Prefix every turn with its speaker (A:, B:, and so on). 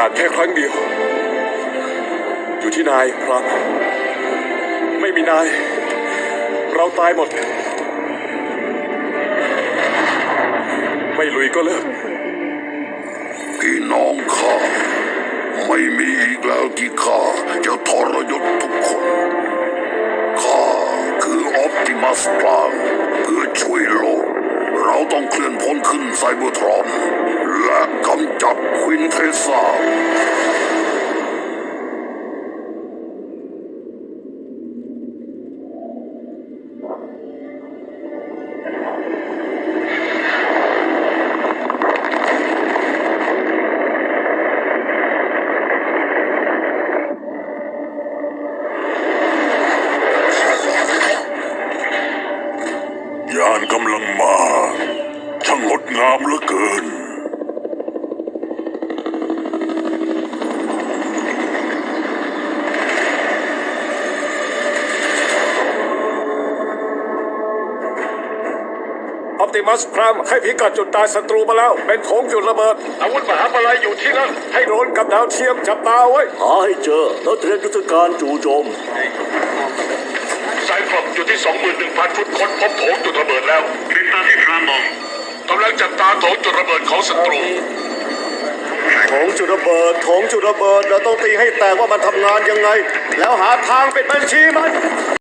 A: าสแค่ครั้งเดียวอยู่ที่นายพรามไม่มีนายเราตายหมดไม่ลุยก็เลิก
B: พี่น้องข้าไม่มีอีกแล้วที่ข้าจะทรยศทุกคนข้าคือออปติมัสพรามเพื่อช่วยโลกเราต้องเคลื่อนพ้นขึ้นไซเบอร์ทรอนและกำจัดควินเทสซายานกำลังมาช่างงดงามเหลือเกิน
A: ออปติมัสพรามให้พิกัดจุดตายศัตรูมาแล้วเป็นโถงจุดระเบิดอาวุธมหาปลัยอยู่ที่นั่นให้โดรนกับดาวเทียมจับตาไว้
C: หาให้เจอแล้วเตรียมยุทธการจู่โจม
D: ไซคลอปอยู่ที่ 21,000 ฟุตค้นพบโถงจุดระเบิดแล้วติดตามที่พรามบอกกำลังจับตาโถงจุดระเบิดของศัตรู
C: โถงจุดระเบิดเราต้องตีให้แตกว่ามันทำงานยังไงแล้วหาทางปิดบัญชีมัน